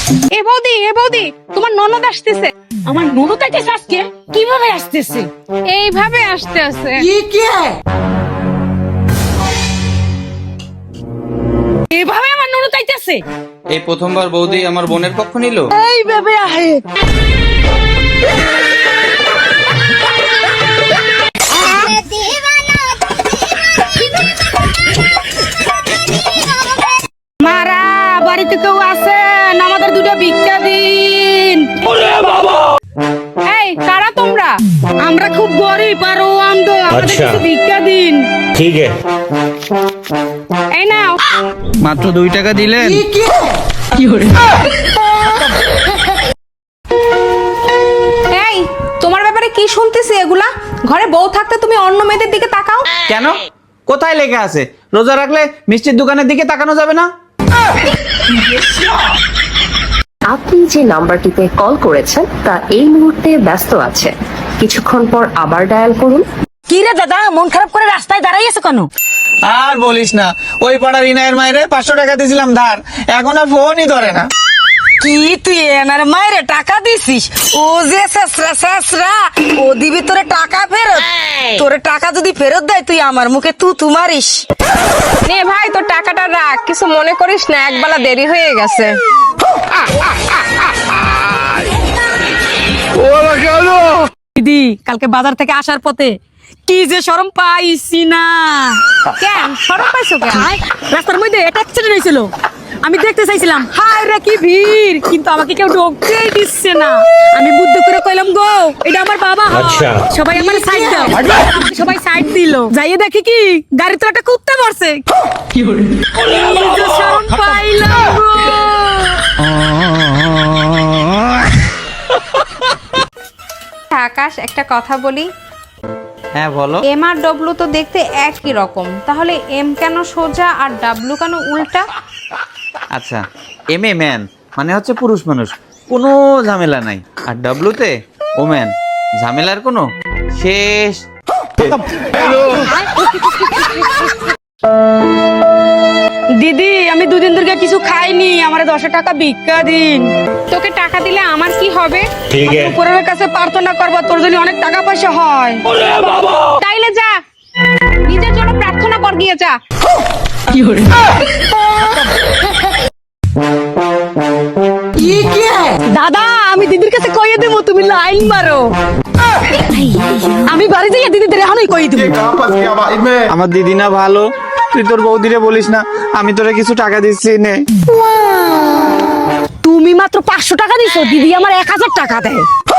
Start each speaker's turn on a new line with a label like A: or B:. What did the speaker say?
A: এ বৌদি তোমার ননদ আসতেছে।
B: আমার ননদ আইতেছে আজকে? কিভাবে আসতেছে?
A: এইভাবে আসতেছে।
B: এভাবে আমার ননদ আইতেছে?
C: এই প্রথমবার বৌদি আমার বোনের পক্ষ নিল।
B: এইভাবে আহে। মারা বাড়িতে কেউ আছেন? আমাদের দুটো ভিক্ষা দিন।
A: এই কারা তোমরা?
B: আমরা খুব গরিব আর ও অন্ধ, আমাদের কিছু ভিক্ষা দিন।
D: ठीक है।
A: এই নাও।
C: মাত্র 2 টাকা দিলেন। এই
A: তোমার ব্যাপারে কি শুনতেছি এগুলা? ঘরে বউ থাকতে তুমি অন্য মেয়েদের দিকে তাকাও
C: কেন? কোথায় লেখা আছে রোজা রাখলে মিষ্টির দোকানের দিকে তাকানো যাবে না?
E: আপনি যে নাম্বারটিতে কল করেছেন তা এই মুহূর্তে ব্যস্ত আছে, কিছুক্ষণ পর আবার ডায়াল করুন।
B: কি রে দাদা, মন খারাপ করে রাস্তায় দাঁড়াই আছো কেন?
C: আর বলিস না, ওই পাড়ার ইনায়ের মায়েরে 500 টাকা দিয়েছিলাম ধার, এখন আর ফোনই ধরে না।
B: কি তুই এনার মায়ের টাকা দিছিস? ও যে শেষরা ও দিবি তোরে টাকা ফেরত। তোরে টাকা যদি ফেরত দেয় তুই আমার মুখে তু মারিস।
A: নে ভাই, তোর টাকাটা রাখ, কিছু মনে করিস না, একবেলা দেরি হয়ে গেছে।
B: দিদি, কালকে বাজার থেকে আসার পথে কি যে শরম পাইছি না।
A: কেন শরম পাইছো কেন?
B: রাস্তার মধ্যে একটা অ্যাক্সিডেন্ট হয়েছিল, আমি দেখতে চাইছিলাম, হায় রে কি ভিড়, কিন্তু আমাকে কেউ ঢোকতেই দিচ্ছে না। আমি বুদ্ধি করে কইলাম, গো এটা আমার বাবা হয়।
D: আচ্ছা।
B: সবাই আমার সাইড দাও। সবাই সাইড দিল, যাইয়ে দেখি কি গাড়ি তো একটা কুত্তা পড়ছে। কি যে শরম পাইলাম গো।
A: আকাশ, একটা কথা বলি।
C: হ্যাঁ বলো।
A: এম আর ডব্লু তো দেখতে একই রকম, তাহলে এম কেন সোজা আর ডাব্লু কেন উল্টা?
C: আচ্ছা, এম এ ম্যান মানে হচ্ছে পুরুষ মানুষ, কোনো ঝামেলা নাই। আর ডাব্লুতে ওম্যান, ঝামেলার কোনো শেষ।
B: দিদি, আমি দুদিন ধরে কিছু খাইনি, আমার 10 টাকা ভিক্ষা দিন।
A: তোকে টাকা দিলে আমার কি হবে?
D: ठीक है।
B: উপরের কাছে প্রার্থনা করবো তোর যদি অনেক টাকা পয়সা হয়।
A: তাইলে যা, নিজের জন্য প্রার্থনা কর, গিয়ে যা।
B: দাদা, আমি দিদির কাছে কইয়ে দেবো, তুমি লাইন মারো। আমি বাড়ি যাই দিদিদের এখনই কই দেবো।
C: আমার দিদি না ভালো, তুই তোর বৌদিরে বলিস না আমি তোরে কিছু টাকা দিচ্ছি নে।
B: তুমি মাত্র 500 টাকা দিছো, দিদি আমার 1000 টাকা দেয়।